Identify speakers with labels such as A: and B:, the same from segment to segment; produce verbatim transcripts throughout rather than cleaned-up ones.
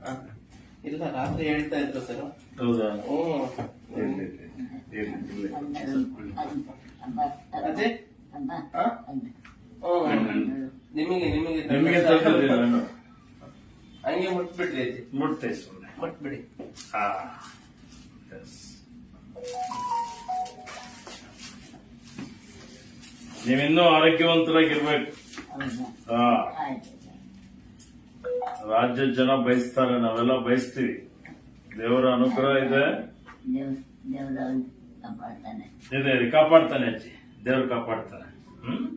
A: ಇಲ್ಲ ರಾತ್ರಿ ಹೇಳ್ತಾ ಇದ್ರು ಸರ್.
B: ಹೌದಾ?
A: ಹ್ಮ್ ಅದೇ ನಿಮಗೆ ನಿಮಗೆ
B: ನಿಮಗೆ ತೊಂದರೆ
A: ಹಂಗೆ ಮುಟ್ಬಿಡ್ರಿ ಅಜ್ಜಿ,
B: ಮುಟ್ತೆ ಸುಮ್ಮನೆ
A: ಮುಟ್ಬಿಡಿ.
B: ಹಾ ನೀವಿನ್ನೂ ಆರೋಗ್ಯವಂತರಾಗಿರ್ಬೇಕು. ಹಾ ರಾಜ್ಯ ಜನ ಬಯಸ್ತಾರೆ, ನಾವೆಲ್ಲ ಬಯಸ್ತೀವಿ. ದೇವರ ಅನುಗ್ರಹ ಇದೆ ಇದೆ ಕಾಪಾಡ್ತಾನೆ ಅಜ್ಜಿ, ದೇವ್ರು ಕಾಪಾಡ್ತಾನೆ. ಹ್ಮ್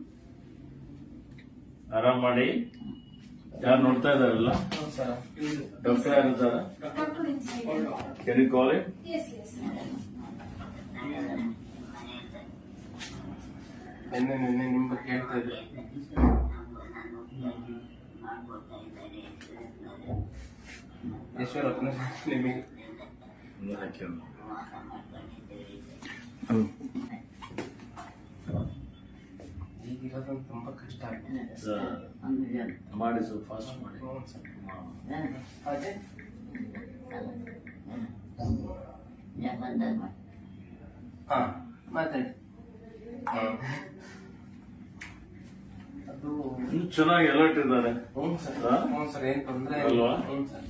B: ಆರಾಮ್ ಮಾಡಿ. ಯಾರು ನೋಡ್ತಾ ಇದಾರಲ್ಲ ಡಾಕ್ಟರ್ ಯಾರಿದ್ದಾರ? Can you call him?
C: Yes, yes.
A: ನಿನ್ನೆ ನಿನ್ನೆ ನಿಮ್ ಬಗ್ಗೆ ಹೇಳ್ತಾ ಇದ್ರು. ಈಶ್ವರಪ್ಪನ ನಿಮಗೆ ಈಗಿರೋದೊಂದು ತುಂಬಾ ಕಷ್ಟ ಆಗಿದೆ
B: ಮಾಡಿ, ಸ್ವಲ್ಪ ಫಾಸ್ಟ್ ಮಾಡಿ.
A: ಅದೇ ಹಾ ಮಾತಾಡಿ. ಅದು
B: ಚೆನ್ನಾಗಿ ಅಲರ್ಟ್ ಇದ್ದಾರೆ.
A: ಹ್ಞೂ ಸರ್, ಹ್ಞೂ ಸರ್, ಏನ್ ತೊಂದ್ರೆ
B: ಅಲ್ವಾ?
A: ಹ್ಞೂ ಸರ್.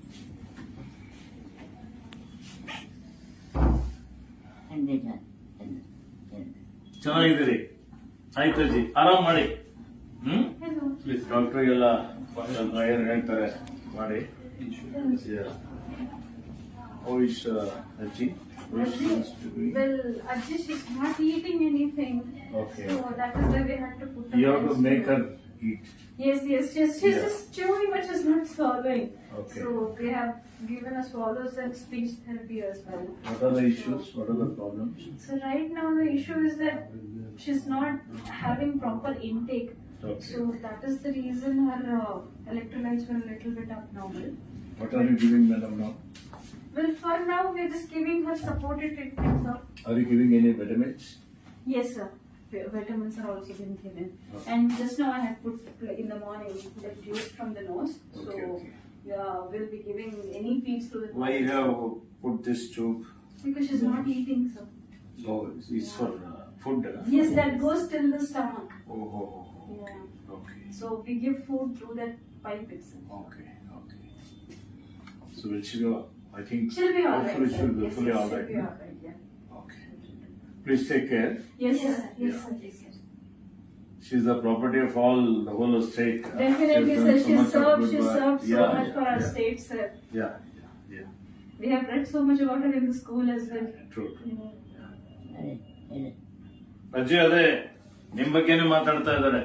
B: ಚೆನ್ನಾಗಿದ್ದೀರಿ? ಆಯ್ತು ಅಜ್ಜಿ, ಆರಾಮ್ ಮಾಡಿ. ಹ್ಮ್ ಪ್ಲೀಸ್ ಡಾಕ್ಟರ್ಗೆಲ್ಲ ಏನ್ ಹೇಳ್ತಾರೆ ಮಾಡಿ. Oish Aji.
C: Well, Ajji, she's not eating anything.
B: Okay.
C: So that is why we had to put her.
B: You have to make her eat.
C: Yes, yes, she's, she's
B: Yeah.
C: just chewing but she's not swallowing.
B: Okay.
C: So we have given her swallows and speech therapy as well.
B: What are the issues? What are the problems?
C: So right now the issue is that she's not having proper intake.
B: Okay.
C: So that is the reason her uh, electrolytes were a little bit abnormal.
B: What are you giving madam now?
C: Well, for now we're just giving her supported treatment, sir.
B: Are you giving any vitamins?
C: Yes, sir. Vi- Vitamins are also being given.
B: Okay.
C: And just now I have put like, in the morning the juice from the nose. So
B: Okay, okay.
C: yeah, we'll be giving any feeds to the
B: Why you have put this tube?
C: because she's not eating, sir.
B: Oh, it's for uh, food. Uh?
C: Yes, that goes till the stomach.
B: Oh, oh, oh, oh.
C: Yeah.
B: Okay.
C: So we give food through that pipe itself.
B: Okay. Okay. So will she go? I think
C: She'll be alright.
B: hopefully
C: sir.
B: she'll be
C: Yes,
B: fully
C: yes,
B: alright.
C: she'll be alright. Yeah.
B: Okay. Please take care.
C: Yes, sir. Yes,
B: Yeah.
C: sir. Yes, sir.
B: She's the property of all the whole state. Uh,
C: Definitely,
B: she's
C: sir.
B: done so
C: She
B: much of
C: served.
B: good
C: She
B: work.
C: served so
B: Yeah,
C: much
B: yeah,
C: for our
B: yeah.
C: state, sir.
B: Yeah, yeah, yeah.
C: We have read so much about her in the school as well.
B: True.
C: You know.
B: ಅಜ್ಜಿ ಅದೇ ನಿಮ್ ಬಗ್ಗೆನೇ ಮಾತಾಡ್ತಾ ಇದ್ದಾರೆ.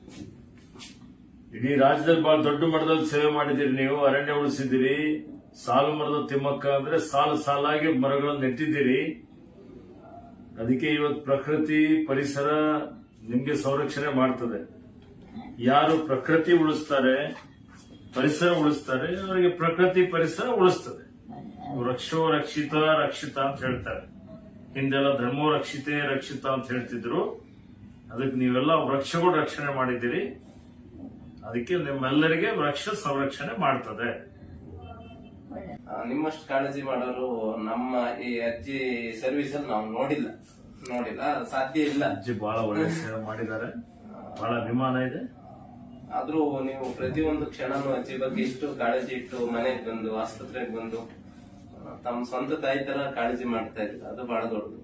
B: ಇಡೀ ರಾಜ್ಯದಲ್ಲಿ ಬಹಳ ದೊಡ್ಡ ಮಟ್ಟದಲ್ಲಿ ಸೇವೆ ಮಾಡಿದಿರಿ ನೀವು, ಅರಣ್ಯ ಉಳಿಸಿದಿರಿ. ಸಾಲು ಮರದ ತಿಮ್ಮಕ್ಕ ಅಂದ್ರೆ ಸಾಲು ಸಾಲಾಗಿ ಮರಗಳನ್ನು ನೆಟ್ಟಿದ್ದೀರಿ. ಅದಕ್ಕೆ ಇವತ್ತು ಪ್ರಕೃತಿ ಪರಿಸರ ನಿಮ್ಗೆ ಸಂರಕ್ಷಣೆ ಮಾಡ್ತದೆ. ಯಾರು ಪ್ರಕೃತಿ ಉಳಿಸ್ತಾರೆ, ಪರಿಸರ ಉಳಿಸ್ತಾರೆ, ಅವರಿಗೆ ಪ್ರಕೃತಿ ಪರಿಸರ ಉಳಿಸ್ತದೆ. ವೃಕ್ಷೋ ರಕ್ಷಿತ ರಕ್ಷಿತ ಅಂತ ಹೇಳ್ತಾರೆ. ಹಿಂದೆಲ್ಲ ಧರ್ಮೋ ರಕ್ಷಿತೆ ರಕ್ಷಿತ ಅಂತ ಹೇಳ್ತಿದ್ರು. ಅದಕ್ಕೆ ನೀವೆಲ್ಲ ವೃಕ್ಷಗಳು ರಕ್ಷಣೆ ಮಾಡಿದ್ದೀರಿ. ಅದಕ್ಕೆ ನಿಮ್ಮೆಲ್ಲರಿಗೆ ವೃಕ್ಷ ಸಂರಕ್ಷಣೆ ಮಾಡ್ತದೆ.
A: ಆ, ನಿಮ್ಮಷ್ಟು ಕಾಳಜಿ ಮಾಡೋರು ನಮ್ಮ ಈ ಅಜ್ಜಿ ಸರ್ವಿಸ್ ಅಲ್ಲಿ ನಾವು ನೋಡಿಲ್ಲ ನೋಡಿಲ್ಲ ಸಾಧ್ಯ ಇಲ್ಲ.
B: ಅಜ್ಜಿ ಬಹಳ ಒಳ್ಳೆ ಸೇವೆ ಮಾಡಿದ್ದಾರೆ, ಬಹಳ ಅಭಿಮಾನ ಇದೆ.
A: ಆದ್ರೂ ನೀವು ಪ್ರತಿಯೊಂದು ಕ್ಷಣನೂ ಅಜ್ಜಿ ಬಗ್ಗೆ ಇಷ್ಟು ಕಾಳಜಿ ಇಟ್ಟು ಮನೆಗೆ ಬಂದು ಆಸ್ಪತ್ರೆಗೆ ಬಂದು ಆ, ತಮ್ಮ ಸ್ವಂತ ತಾಯಿ ತರ ಕಾಳಜಿ ಮಾಡ್ತಾ ಇದ್ರು. ಅದು ಬಹಳ ದೊಡ್ಡದು.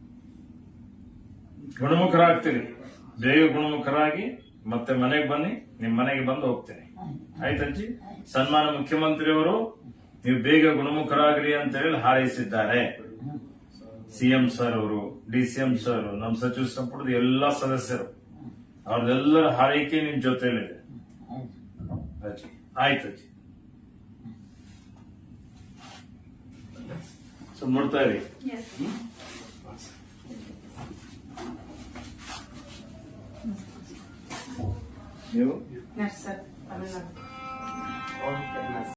B: ಗುಣಮುಖರಾಗ್ತೀರಿ, ಬೇಗ ಗುಣಮುಖರಾಗಿ ಮತ್ತೆ ಮನೆಗೆ ಬನ್ನಿ. ನಿಮ್ ಮನೆಗೆ ಬಂದು ಹೋಗ್ತೇನೆ. ಆಯ್ತಜ್ಜಿ? ಸನ್ಮಾನ ಮುಖ್ಯಮಂತ್ರಿಯವರು ನೀವು ಬೇಗ ಗುಣಮುಖರಾಗ್ರಿ ಅಂತ ಹೇಳಿ ಹಾರೈಸಿದ್ದಾರೆ. ಸಿಎಂ ಸರ್ ಅವರು, ಡಿಸಿಎಂ ಸರ್, ನಮ್ಮ ಸಚಿವ ಸಂಪುಟದ ಎಲ್ಲಾ ಸದಸ್ಯರು, ಅವ್ರದೆಲ್ಲರ ಹಾರೈಕೆ ನಿಮ್ ಜೊತೆಲಿದೆ. ಅಜ್ಜಿ ಆಯ್ತು ಅಜ್ಜಿ. ಸೊ ನೋಡ್ತಾ ಇರಿ.
C: Yes.
B: ನೀವು
D: Yes, sir. Tamil Nadu.